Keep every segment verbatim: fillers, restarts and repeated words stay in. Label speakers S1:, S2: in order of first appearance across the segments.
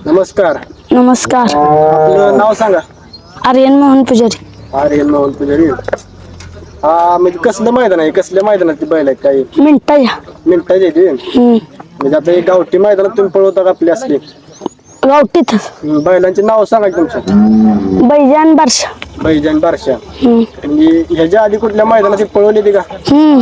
S1: नमस्कार.
S2: नमस्कार.
S1: आपलं नाव सांगा.
S2: आर्यन मोहन पुजारी.
S1: आर्यन मोहन पुजारी. हा म्हणजे कसलं मैदान आहे, कसल्या मैदानात ती बैल आहेत काही
S2: मिनटाच्या.
S1: मिनिटाची आहे ती?
S2: हम्म.
S1: म्हणजे आता एक गावठी मैदानात तुम्ही पळवता का आपली असली
S2: गावठीतच.
S1: बैलांची नाव सांगा की तुमची.
S2: बैजान बारशा.
S1: बैजान बारशा.
S2: हम्म.
S1: म्हणजे ह्याच्या आधी कुठल्या मैदानात ती पळवली ती का?
S2: हम्म.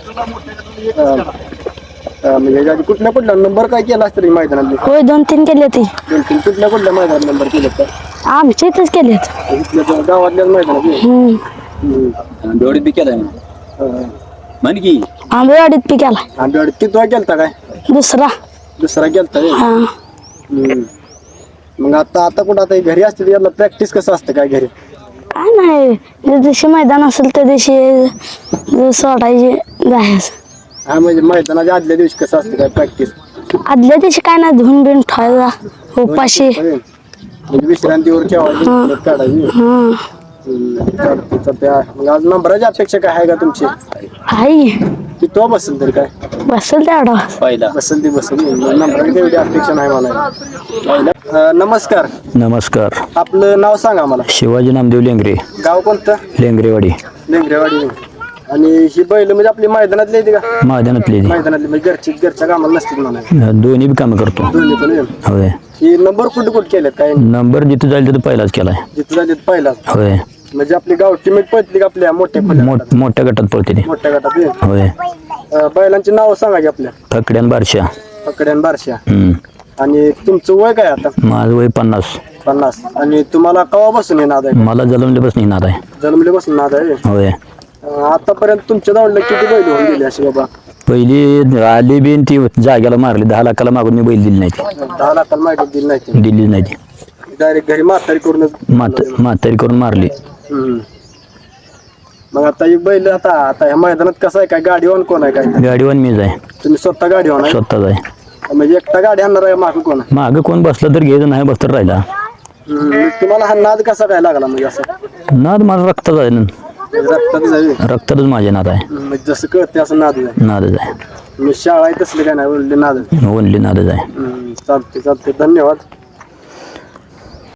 S1: हा. हा, म्हणजे ह्याच्या आधी कुठल्या कुठल्या नंबर काय केला असतं मैदानात?
S2: होय, दोन तीन केले ते.
S1: दोन तीन कुठल्या कुठल्या मैदानात नंबर केले का?
S2: आमच्या इथंच केलेत.
S1: इथल्या गावातल्याच मैदानात?
S2: हम्म.
S1: आंबेवाडीत बी केलाय म्हण की.
S2: आंबेवाडीत पी केला.
S1: आंबेवाडीत किती वेळा केलता काय?
S2: दुसरा.
S1: दुसरा केलता व्हय?
S2: हा.
S1: हम्म. मग आता आता कुठं आता घरी असते याला प्रॅक्टिस कसं असतं काय घरी?
S2: काय नाही, ज्या दिवशी मैदान असेल त्या दिवशी सोडायचे जायचं.
S1: हा म्हणजे मैदानाच्या आदल्या दिवशी कसं असतं काय प्रॅक्टिस?
S2: आदल्या दिवशी काय नाही, धुवून बिन ठेवायचा उपाशी.
S1: म्हणजे विश्रांतीवर ठेवायची काढायची.
S2: हा.
S1: चालते चालते. मग आज नंबराची अपेक्षा काय आहे का तुमची?
S2: आई
S1: की तो बसेल तरी काय?
S2: बसेल तेवढा.
S1: पहिला बसेल ती बसेल. नंबराची एवढी अपेक्षा नाही मला. नमस्कार.
S3: नमस्कार.
S1: आपलं नाव सांगा मला.
S3: शिवाजी नामदेव लेंगरे.
S1: गाव कोणतं?
S3: लेंगरेवाडी.
S1: लेंगरेवाडी. आणि ही बैल म्हणजे आपली मैदानातली येते का?
S3: मैदानातली ती.
S1: मैदानातली म्हणजे घरची घरच्या कामाला नसतील म्हणा.
S3: दोन्ही बी कामं करतो.
S1: दोन्ही पण होय.
S3: होय.
S1: ही नंबर कुठे कुठे केलेत काय?
S3: नंबर जिथं जाईल तिथं पहिलाच केलाय.
S1: जिथं जाते पहिला.
S3: होय.
S1: म्हणजे आपली गावठी मीठ पळतली का आपल्या मोठ्या
S3: मोठ मोठ्या गटात पळते ती.
S1: मोठ्या गटात होय.
S3: होय.
S1: अं, बैलांची नाव सांगा की आपल्या.
S3: फकड्यान बारशा.
S1: पकड्यान बारशा.
S3: हम्म.
S1: आणि तुमचं वय काय आता?
S3: माझं वय पन्नास.
S1: पन्नास. आणि तुम्हाला केव्हापासून हे नाद आहे?
S3: मला जन्मल्यापासून नाद आहे.
S1: जन्मल्यापासून नाद आहे?
S3: होय.
S1: अं, आतापर्यंत तुमच्या जवळ किती बैल होऊन गेले असे बाबा?
S3: पहिली आली बिन ती जाग्याला मारली, दहा लाखाला मागून मी बैल दिली नाही ती.
S1: दहा लाखाला माहिती दिली नाही.
S3: दिलीच नाही ती.
S1: डायरेक्ट घरी म्हातारी करूनच.
S3: म्हात म्हातारी करून मारली.
S1: हम्म. मग आता ही बैल आता आता ह्या मैदानात कसं आहे काय गाडीवान कोण आहे काय?
S3: गाडीवान मीच आहे.
S1: तुम्ही स्वतः गाडीवान आहे?
S3: स्वतःच आहे.
S1: म्हणजे एकटा गाडी आणणार आहे मागं कोण आहे?
S3: मागं कोण बसलं तर घ्यायचं, नाही बसतर राहिला.
S1: हम्म. तुम्हाला हा नाद कसा काय लागला म्हणजे असं?
S3: नाद माझा रक्ताच आहे ना.
S1: रक्तात जाईल.
S3: रक्तातच माझे नाद आहे.
S1: म्हणजे जसं कळते असं नाद आहे.
S3: नादच आहे.
S1: मी शाळा आहे तसले काय नाही, ओनली नाद आहे.
S3: ओनली नादच आहे.
S1: हम्म. चालते चालते. धन्यवाद.